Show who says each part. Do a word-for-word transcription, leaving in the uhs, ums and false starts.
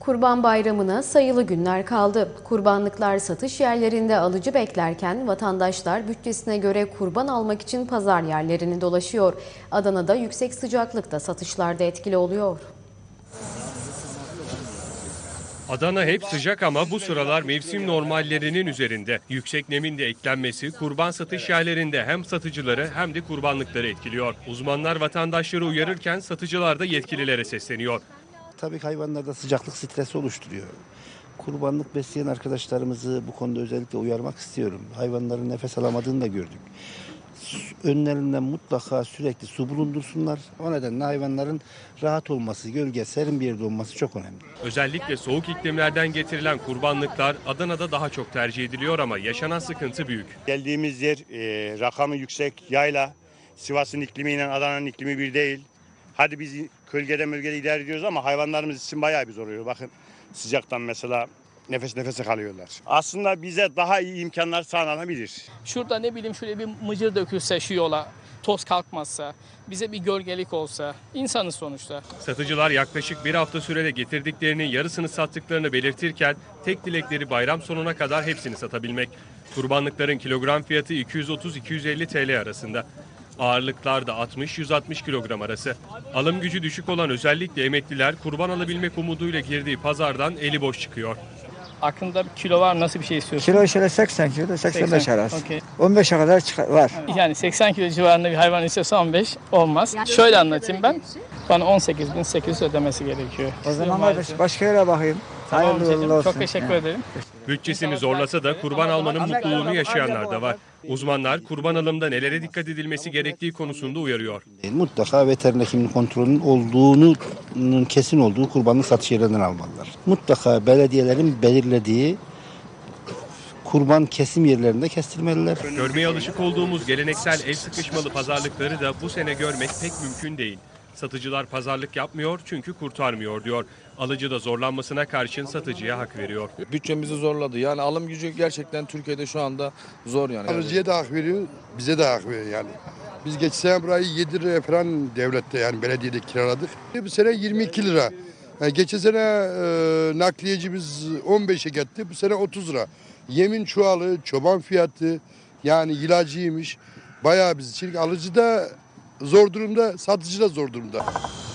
Speaker 1: Kurban Bayramı'na sayılı günler kaldı. Kurbanlıklar satış yerlerinde alıcı beklerken vatandaşlar bütçesine göre kurban almak için pazar yerlerini dolaşıyor. Adana'da yüksek sıcaklıkta satışlarda etkili oluyor.
Speaker 2: Adana hep sıcak ama bu sıralar mevsim normallerinin üzerinde. Yüksek nemin de eklenmesi kurban satış yerlerinde hem satıcıları hem de kurbanlıkları etkiliyor. Uzmanlar vatandaşları uyarırken satıcılar da yetkililere sesleniyor.
Speaker 3: Tabii hayvanlarda sıcaklık stresi oluşturuyor. Kurbanlık besleyen arkadaşlarımızı bu konuda özellikle uyarmak istiyorum. Hayvanların nefes alamadığını da gördük. Önlerinden mutlaka sürekli su bulundursunlar. O nedenle hayvanların rahat olması, gölge, serin bir yerde olması çok önemli.
Speaker 2: Özellikle soğuk iklimlerden getirilen kurbanlıklar Adana'da daha çok tercih ediliyor ama yaşanan sıkıntı büyük.
Speaker 4: Geldiğimiz yer e, rakamı yüksek, yayla. Sivas'ın iklimiyle Adana'nın iklimi bir değil. Hadi biz kölgede mölgede idare ediyoruz ama hayvanlarımız için bayağı bir zor oluyor. Bakın sıcaktan mesela nefes nefese kalıyorlar. Aslında bize daha iyi imkanlar sağlanabilir.
Speaker 5: Şurada ne bileyim şöyle bir mıcır dökülse şu yola, toz kalkmazsa, bize bir gölgelik olsa, insanız sonuçta.
Speaker 2: Satıcılar yaklaşık bir hafta sürede getirdiklerinin yarısını sattıklarını belirtirken tek dilekleri bayram sonuna kadar hepsini satabilmek. Kurbanlıkların kilogram fiyatı iki yüz otuz iki yüz elli T L arasında. Ağırlıklar da altmış yüz altmış kilogram arası. Alım gücü düşük olan özellikle emekliler kurban alabilmek umuduyla girdiği pazardan eli boş çıkıyor.
Speaker 5: Aklında bir kilo var, nasıl bir şey istiyorsun?
Speaker 6: Kilo şöyle seksen kilo, seksen beş
Speaker 5: seksen,
Speaker 6: arası.
Speaker 5: okey.
Speaker 6: on beşe kadar çıkar, var.
Speaker 5: Yani seksen kilo civarında bir hayvan istiyorsa on beş olmaz. Şöyle anlatayım ben. Bana on sekiz bin sekiz yüz ödemesi gerekiyor.
Speaker 6: O zaman
Speaker 5: Maalesef.
Speaker 6: kardeş başka yere bakayım.
Speaker 5: Tamam
Speaker 6: Hayırlı
Speaker 5: Cecim,
Speaker 6: uğurlu olsun.
Speaker 5: çok teşekkür
Speaker 6: Ha.
Speaker 5: ederim.
Speaker 2: Bütçesini zorlasa da kurban almanın mutluluğunu yaşayanlar da var. Uzmanlar kurban alımda nelere dikkat edilmesi gerektiği konusunda uyarıyor.
Speaker 3: Mutlaka veteriner hekimlik kontrolünün olduğunun kesin olduğu kurbanlık satış yerlerinden almalılar. Mutlaka belediyelerin belirlediği kurban kesim yerlerinde kestirmeliler.
Speaker 2: Görmeye alışık olduğumuz geleneksel el sıkışmalı pazarlıkları da bu sene görmek pek mümkün değil. Satıcılar pazarlık yapmıyor çünkü kurtarmıyor diyor. Alıcı da zorlanmasına karşın satıcıya hak veriyor.
Speaker 7: Bütçemizi zorladı. Yani alım gücü gerçekten Türkiye'de şu anda zor yani.
Speaker 8: Alıcıya da hak veriyor, bize de hak veriyor yani. Biz geçen sene burayı yedi liraya falan devlette yani belediyede kiraladık. Bu sene yirmi iki lira. Yani geçen sene e, nakliyecimiz on beşe gitti, bu sene otuz lira. Yemin çuvalı, çoban fiyatı yani ilacıymış. Bayağı biz için alıcı da zor durumda, satıcı da zor durumda.